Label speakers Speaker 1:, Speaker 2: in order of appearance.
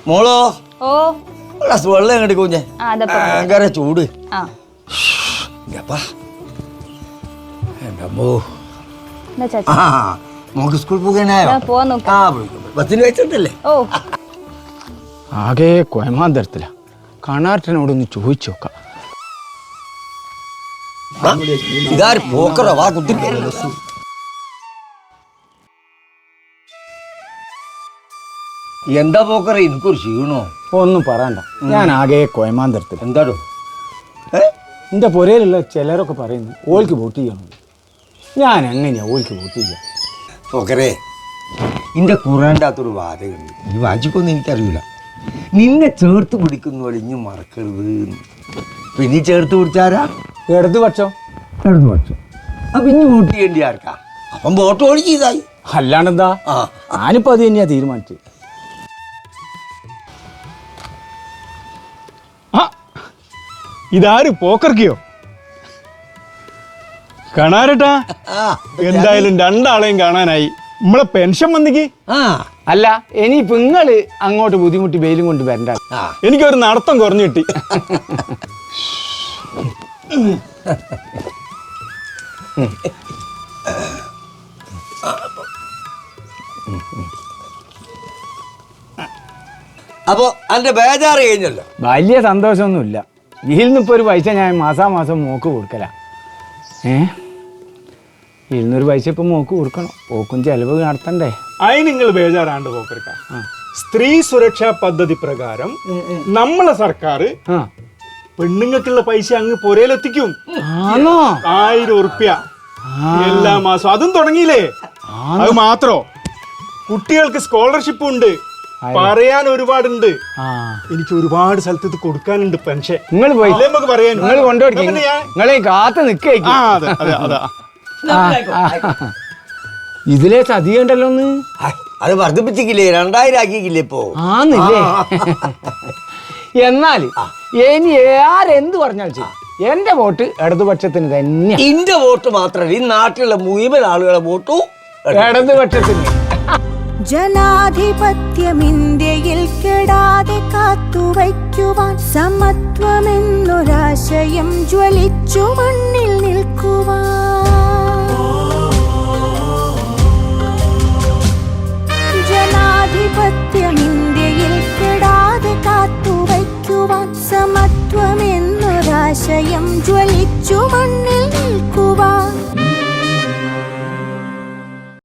Speaker 1: മോളോ
Speaker 2: ഓ
Speaker 1: ഗ്ലാസ് വെള്ളം എങ്ങോട്ട് കുഞ്ഞെ ഭയങ്കര ചൂട് മോക്ക് സ്കൂൾ പോകാനായോ ബസ്സിന് വെച്ചിട്ടല്ലേ
Speaker 3: ആകെ കൊയമാന്തരത്തില കാണാട്ടനോടൊന്ന് ചോദിച്ചു നോക്കാം.
Speaker 1: ഇതാര് പോക്കറോ വാ കുത്തി എന്താ പോക്കറ എനിക്കൊരു ക്ഷീണോ
Speaker 3: ഒന്നും പറയണ്ട, ഞാൻ ആകെ കൊയമാന്തരത്തിൽ.
Speaker 1: എന്താടോ
Speaker 3: എൻ്റെ പുരയിലുള്ള ചിലരൊക്കെ പറയുന്നു ഓൾക്ക് വോട്ട് ചെയ്യണം. ഞാൻ എങ്ങനെയാ ഓൾക്ക് വോട്ട് ചെയ്യാം?
Speaker 1: പോക്കറേ നിന്റെ ഖുറാൻ്റെ അകത്തൊരു വാചകമുണ്ട്, ഈ വാചിക്കൊന്നും എനിക്കറിയില്ല. നിന്നെ ചേർത്ത് പിടിക്കുന്ന പോലെ ഇനി മറക്കരുത്. പിന്നെ ചേർത്ത് പിടിച്ചാരാ?
Speaker 3: ഇടതുപക്ഷം.
Speaker 1: ഇടതുപക്ഷം. അപ്പം ഇനി വോട്ട് ചെയ്യേണ്ടി ആർക്കാ? അപ്പം വോട്ട് ഓടി ചെയ്തായി.
Speaker 3: അല്ലാണ്ടെന്താ, ഞാനിപ്പോൾ അത് തന്നെയാ തീരുമാനിച്ചത്.
Speaker 4: ഇതാര് പോക്കർക്കിയോ? കാണാരട്ടാ, എന്തായാലും രണ്ടാളെയും കാണാനായി. നമ്മളെ പെൻഷൻ വന്നിക്ക്.
Speaker 3: അല്ല ഇനിയിപ്പോ നിങ്ങള് അങ്ങോട്ട് ബുദ്ധിമുട്ടി വെയിലും കൊണ്ട് വരണ്ട.
Speaker 4: എനിക്കൊരു നടത്തം കുറഞ്ഞു കിട്ടി.
Speaker 1: അപ്പൊ അതിന്റെ ബേജാറ് കഴിഞ്ഞല്ലോ.
Speaker 3: വലിയ സന്തോഷമൊന്നുമില്ല. ഇതിൽ നിന്നിപ്പോ ഒരു പൈസ ഞാൻ മാസാമാസം മോക്ക് കൊടുക്കല. 200 പൈസ ഇപ്പൊ മോക്ക് കൊടുക്കണം. പോക്കും ചെലവ് നടത്തണ്ടേ?
Speaker 4: അതിന് നിങ്ങൾ ബേജാറാണ്ട് പോക്കർക്ക. സ്ത്രീ സുരക്ഷാ പദ്ധതി പ്രകാരം നമ്മളെ സർക്കാർ പെണ്ണുങ്ങൾക്കുള്ള പൈസ അങ്ങ് പുരയിലെത്തിക്കും. 1000 ഉറുപ്പ്യ എല്ലാ മാസവും. അതും തുടങ്ങിയില്ലേ? അത് മാത്രോ, കുട്ടികൾക്ക് സ്കോളർഷിപ്പ് ഉണ്ട്. പറയാൻ ഒരുപാടുണ്ട്. എനിക്ക് ഒരുപാട് സ്ഥലത്ത് ഇത് കൊടുക്കാനുണ്ട് പെൻഷൻ.
Speaker 3: നിങ്ങൾ പോയി
Speaker 4: നമുക്ക് പറയാൻ
Speaker 3: നിങ്ങളെ കാത്ത് നിൽക്കേ. ഇതിലെ ചതിയുണ്ടല്ലോ ഒന്ന്.
Speaker 1: അത് വർദ്ധിപ്പിച്ചില്ലേ, 2000 ആക്കിയില്ലേ ഇപ്പോ?
Speaker 3: ആന്നില്ലേ? എന്നാല് ഇനി ആരെന്ത് പറഞ്ഞാൽ ചെയ്യും, എന്റെ വോട്ട് ഇടതുപക്ഷത്തിന് തന്നെ.
Speaker 1: എന്റെ വോട്ട് മാത്രമല്ല, ഈ നാട്ടിലുള്ള മുഴുവൻ ആളുകളെ വോട്ടും
Speaker 3: ഇടതുപക്ഷത്തിന്.
Speaker 5: ജനാധിപത്യം ഇന്ത്യയിൽ കെടാതെ കാത്തുവയ്ക്കുവാൻ സമത്വമെന്നൊരാശയം ജ്വലിച്ചു മണ്ണിൽ നിൽക്കുവാൻ. ജനാധിപത്യം ഇന്ത്യയിൽ കെടാതെ കാത്തുവയ്ക്കുവാൻ സമത്വമെന്നൊരാശയം ജ്വലിച്ചു